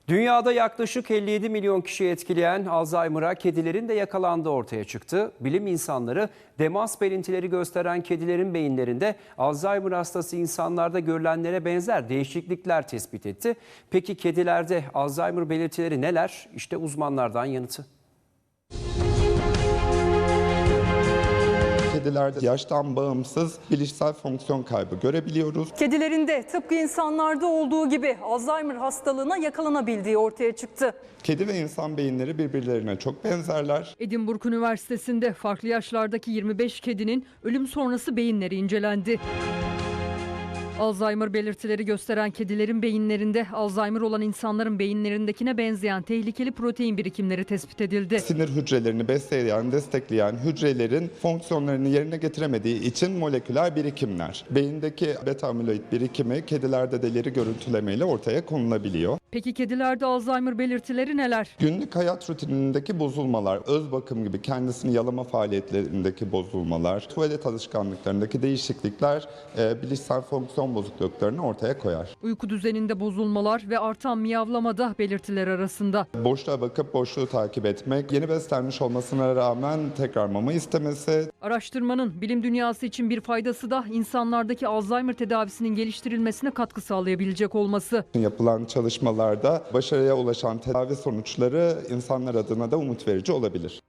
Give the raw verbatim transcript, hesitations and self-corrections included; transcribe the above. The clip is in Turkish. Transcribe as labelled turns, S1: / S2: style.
S1: Dünyada yaklaşık elli yedi milyon kişiyi etkileyen Alzheimer'a kedilerin de yakalandığı ortaya çıktı. Bilim insanları demans belirtileri gösteren kedilerin beyinlerinde Alzheimer hastası insanlarda görülenlere benzer değişiklikler tespit etti. Peki kedilerde Alzheimer belirtileri neler? İşte uzmanlardan yanıtı.
S2: Kedilerde yaştan bağımsız bilişsel fonksiyon kaybı görebiliyoruz.
S3: Kedilerinde tıpkı insanlarda olduğu gibi Alzheimer hastalığına yakalanabildiği ortaya çıktı.
S2: Kedi ve insan beyinleri birbirlerine çok benzerler.
S4: Edinburgh Üniversitesi'nde farklı yaşlardaki yirmi beş kedinin ölüm sonrası beyinleri incelendi. Alzheimer belirtileri gösteren kedilerin beyinlerinde Alzheimer olan insanların beyinlerindekine benzeyen tehlikeli protein birikimleri tespit edildi.
S2: Sinir hücrelerini besleyen, destekleyen hücrelerin fonksiyonlarını yerine getiremediği için moleküler birikimler. Beyindeki beta amiloid birikimi kedilerde de ileri görüntülemeyle ortaya konulabiliyor.
S4: Peki kedilerde Alzheimer belirtileri neler?
S2: Günlük hayat rutinindeki bozulmalar, öz bakım gibi kendisini yalama faaliyetlerindeki bozulmalar, tuvalet alışkanlıklarındaki değişiklikler e, bilişsel fonksiyon bozukluklarını ortaya koyar.
S4: Uyku düzeninde bozulmalar ve artan miyavlama da belirtiler arasında.
S2: Boşluğa bakıp boşluğu takip etmek, yeni beslenmiş olmasına rağmen tekrar mama istemesi.
S4: Araştırmanın bilim dünyası için bir faydası da insanlardaki Alzheimer tedavisinin geliştirilmesine katkı sağlayabilecek olması.
S2: Yapılan çalışmalarda başarıya ulaşan tedavi sonuçları insanlar adına da umut verici olabilir.